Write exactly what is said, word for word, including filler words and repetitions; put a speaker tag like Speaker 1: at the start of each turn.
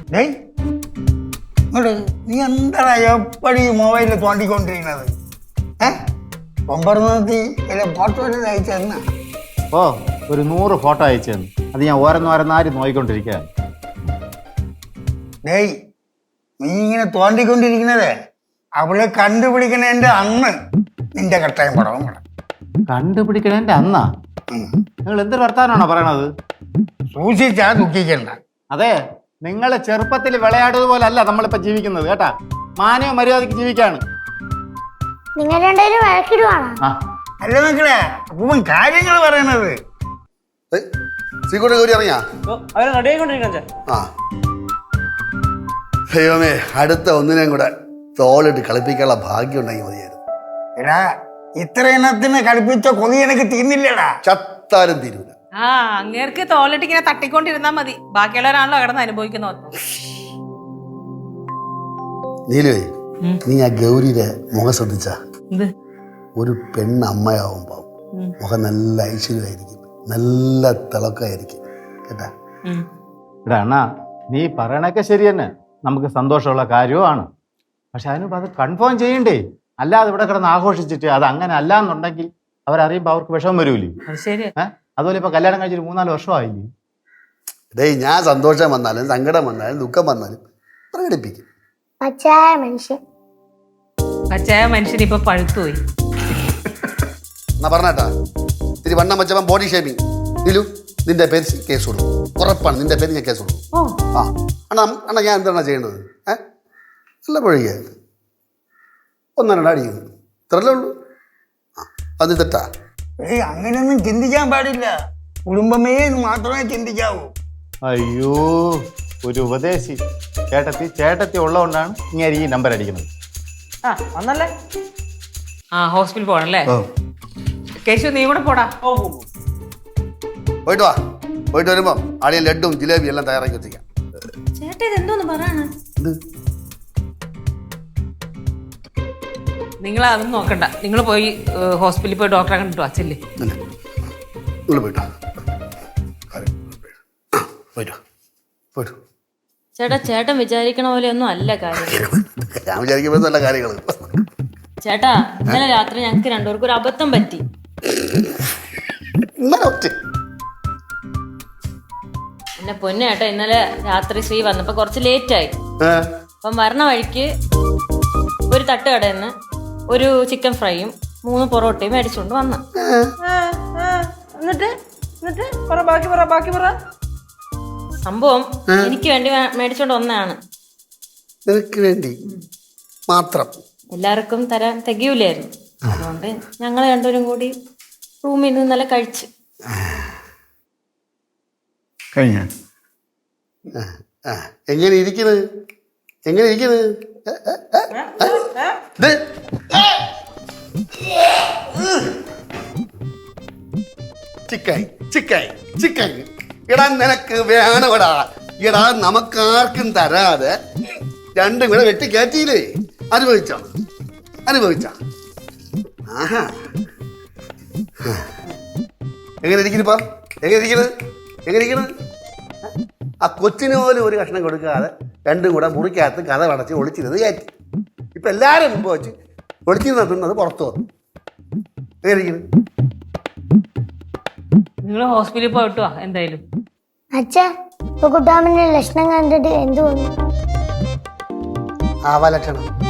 Speaker 1: ഡേയ് നീ എന്താ എപ്പടി മൊബൈലിൽ തോണ്ടിക്കൊണ്ടിരിക്കുന്നത്? ഏഹ് ഒമ്പറത്തി വല്ല ഫോട്ടോ എല്ലാം അയച്ചു തന്ന?
Speaker 2: ഓ ഒരു നൂറ് ഫോട്ടോ അയച്ചു തന്നു. അത് ഞാൻ ഓരോന്നോരോന്നാരി നോക്കിക്കൊണ്ടിരിക്കുക.
Speaker 1: ഡേയ് നീ ഇങ്ങനെ തോണ്ടിക്കൊണ്ടിരിക്കുന്നതേ അവളെ കണ്ടുപിടിക്കണേന്റെ അന്ന് നിന്റെ കട്ടായം പടവും കൂടെ.
Speaker 2: കണ്ടുപിടിക്കണേന്റെ അന്നാ? നിങ്ങൾ എന്തൊരു വർത്താനാണോ പറയണത്?
Speaker 1: സൂക്ഷിച്ചാ ദുഃഖിക്കണ്ട.
Speaker 2: അതെ, നിങ്ങളെ ചെറുപ്പത്തിൽ വിളയാടുന്നത് പോലെ അല്ല നമ്മളിപ്പോ ജീവിക്കുന്നത് കേട്ടാ. മാനവ മര്യാദക്ക് ജീവിക്കാണ്.
Speaker 3: നിങ്ങൾ രണ്ടുപേരും വഴക്കിടുവാണോ?
Speaker 1: അല്ല മക്കളെ അപ്പൂപ്പൻ കാര്യങ്ങൾ പറയണത്.
Speaker 4: ദൈവമേ, അടുത്ത ഒന്നിനെയും കൂടെ തോളിട്ട് കളിപ്പിക്കാനുള്ള ഭാഗ്യം ഉണ്ടെങ്കിൽ മതിയായിരുന്നു.
Speaker 1: എടാ ഇത്ര ഇനത്തിന് കളിപ്പിച്ച കൊതി എനിക്ക് തീർന്നില്ലടാ.
Speaker 4: ചത്താലും തീരൂല.
Speaker 5: ആ അങ്ങേർക്ക് തോളിട്ട് ഇങ്ങനെ തട്ടിക്കൊണ്ടിരുന്നാ മതി. ബാക്കിയുള്ളവരാണല്ലോ കിടന്ന് അനുഭവിക്കുന്നത്.
Speaker 4: നീലുവേ, നീ ആ ഗൗരിയുടെ മുഖം ശ്രദ്ധിച്ച ഒരു പെണ്ണ് അമ്മയാവുമ്പോ മുഖം നല്ല ഐശ്വര്യമായിരിക്കും, നല്ല തിളക്കമായിരിക്കും കേട്ടാ.
Speaker 2: എടാ അണ്ണാ, നീ പറയണൊക്കെ ശരി തന്നെ, നമുക്ക് സന്തോഷമുള്ള കാര്യവുമാണ്. പക്ഷെ അതിനിപ്പോൾ അത് കൺഫേം ചെയ്യണ്ടേ? അല്ലാതെ ഇവിടെ കിടന്ന് ആഘോഷിച്ചിട്ട് അത് അങ്ങനെ അല്ല എന്നുണ്ടെങ്കിൽ അവരറിയുമ്പോൾ അവർക്ക് വിഷമം വരൂലേ? ഏഹ് അതുപോലെ ഇപ്പൊ കല്യാണം കഴിച്ചിട്ട് മൂന്നാല് വർഷമായില്ലേ?
Speaker 4: ഡേയ്, ഞാൻ സന്തോഷം വന്നാലും സങ്കടം വന്നാലും ദുഃഖം വന്നാലും പ്രകടിപ്പിക്കും.
Speaker 3: പച്ചയായ മനുഷ്യൻ.
Speaker 5: പച്ചയായ മനുഷ്യൻ ഇപ്പൊ പഴുത്തുപോയി.
Speaker 4: എന്നാ പറഞ്ഞാട്ടാ, ഇത്തിരി വണ്ണം വെച്ചപ്പം ബോഡി ഷേമിങ്. നിലു, നിന്റെ പേര് കേസ് കൊടുക്കും. ഉറപ്പാണ് നിന്റെ പേര് ഞാൻ കേസ് കൊടുക്കും. ആ അണ്ണാ അണ്ണാ ഞാൻ എന്താണ് ചെയ്യേണ്ടത്? ഏഹ് നല്ല പൊഴിക ഒന്നാണ് അടിക്കുന്നത്, ഇത്രല്ലേ ഉള്ളൂ. ആ അത് തെറ്റാ?
Speaker 1: ഏയ് അങ്ങനെയൊന്നും ചിന്തിക്കാൻ പാടില്ല. കുടുംബമേ മാത്രമേ ചിന്തിക്കാവൂ.
Speaker 2: അയ്യോ, ഒരു ഉപദേശി. ചേട്ടത്തി ചേട്ടത്തി ഉള്ളതുകൊണ്ടാണ് ഇങ്ങനെ ഈ നമ്പർ അടിക്കുന്നത്.
Speaker 5: ആ ഒന്നല്ലേ? ആ ഹോസ്പിറ്റലിൽ പോകണല്ലേ? കേശു നീ കൂടെ പോടാ.
Speaker 4: പോയിട്ട് വാ. പോയിട്ട് വരുമ്പോ ആടിയ ലഡും ജിലേബിയും എല്ലാം തയ്യാറാക്കി വെച്ചിരിക്കാം.
Speaker 5: ചേട്ടാ ഇതെന്തോന്ന് പറയാണ്? നിങ്ങൾ അതൊന്നും നോക്കണ്ട. നിങ്ങൾ പോയി ഹോസ്പിറ്റലിൽ പോയി ഡോക്ടറെ കണ്ടിട്ട് വച്ചല്ലേ.
Speaker 4: പോയിട്ടോ പോയിട്ടോ പോയിട്ടോ.
Speaker 6: ചേട്ടാ ചേട്ടൻ വിചാരിക്കണ പോലെ ഒന്നും അല്ല കാര്യം.
Speaker 4: ഞാൻ വിചാരിക്കുമ്പോൾ നല്ല കാര്യങ്ങൾ.
Speaker 6: ചേട്ടാ ഇന്നലെ രാത്രി ഞങ്ങൾക്ക് രണ്ടുപേർക്കും ഒരു അബദ്ധം പറ്റി. എന്നെ പൊന്നു ചേട്ടാ, ഇന്നലെ രാത്രി ശ്രീ വന്നപ്പോ കുറച്ച് ലേറ്റ് ആയി. അപ്പം വരണ വഴിക്ക് ഒരു തട്ടുകടയിൽ നിന്ന് ഒരു ചിക്കൻ ഫ്രൈയും മൂന്ന് പൊറോട്ടയും മേടിച്ചുകൊണ്ട് വന്നു.
Speaker 5: എന്നിട്ട് എന്നിട്ട് പറ ബാക്കി പറ ബാക്കി പറ.
Speaker 6: സംഭവം എനിക്ക് വേണ്ടി മേടിച്ചോണ്ട് വന്നതാണ്.
Speaker 4: നിനക്ക് വേണ്ടി മാത്രം?
Speaker 6: എല്ലാവർക്കും തരാൻ തികയൂലായിരുന്നു. അതുകൊണ്ട് ഞങ്ങൾ രണ്ടുപേരും കൂടി റൂമിൽ നിന്ന് ഇന്നലെ കഴിച്ചു
Speaker 1: കഴിഞ്ഞ.
Speaker 4: എങ്ങനെ ഇരിക്കുന്നത്? എങ്ങനെ ഇരിക്കുന്നത്? ചിക്കൻ ചിക്കൻ ചിക്കൻ എടാ നിനക്ക് വേണവടാ. എടാ നമുക്കാർക്കും തരാതെ രണ്ടും കൂടെ വെട്ടി കയറ്റിയില്ലേ? അനുഭവിച്ചോ അനുഭവിച്ചോ? ആഹാ, എങ്ങനെ ഇരിക്കുന്നിപ്പാ? എങ്ങനെ ഇരിക്കുന്നത്? എങ്ങനെ ഇരിക്കുന്നത്? ആ കൊച്ചിന് പോലും ഒരു കഷ്ണം കൊടുക്കാതെ രണ്ടും കൂടെ മുറിക്കകത്ത് കഥ അടച്ച് ഒളിച്ചിരുന്നത് കയറ്റി. ഇപ്പൊ എല്ലാവരും മുമ്പ് വെച്ച് ഒളിച്ചിരുന്ന തിന്നത് പുറത്തു വന്നു. എങ്ങനെ ഇരിക്കുന്നത്?
Speaker 5: നിങ്ങൾ ഹോസ്പിറ്റലിൽ പോയിട്ട് വാ എന്തായാലും.
Speaker 3: അച്ഛാ ഇപ്പൊ കുട്ടാമന്റെ ലക്ഷണം കണ്ടിട്ട് എന്ത് തോന്നുന്നു?
Speaker 4: ആവാലക്ഷണം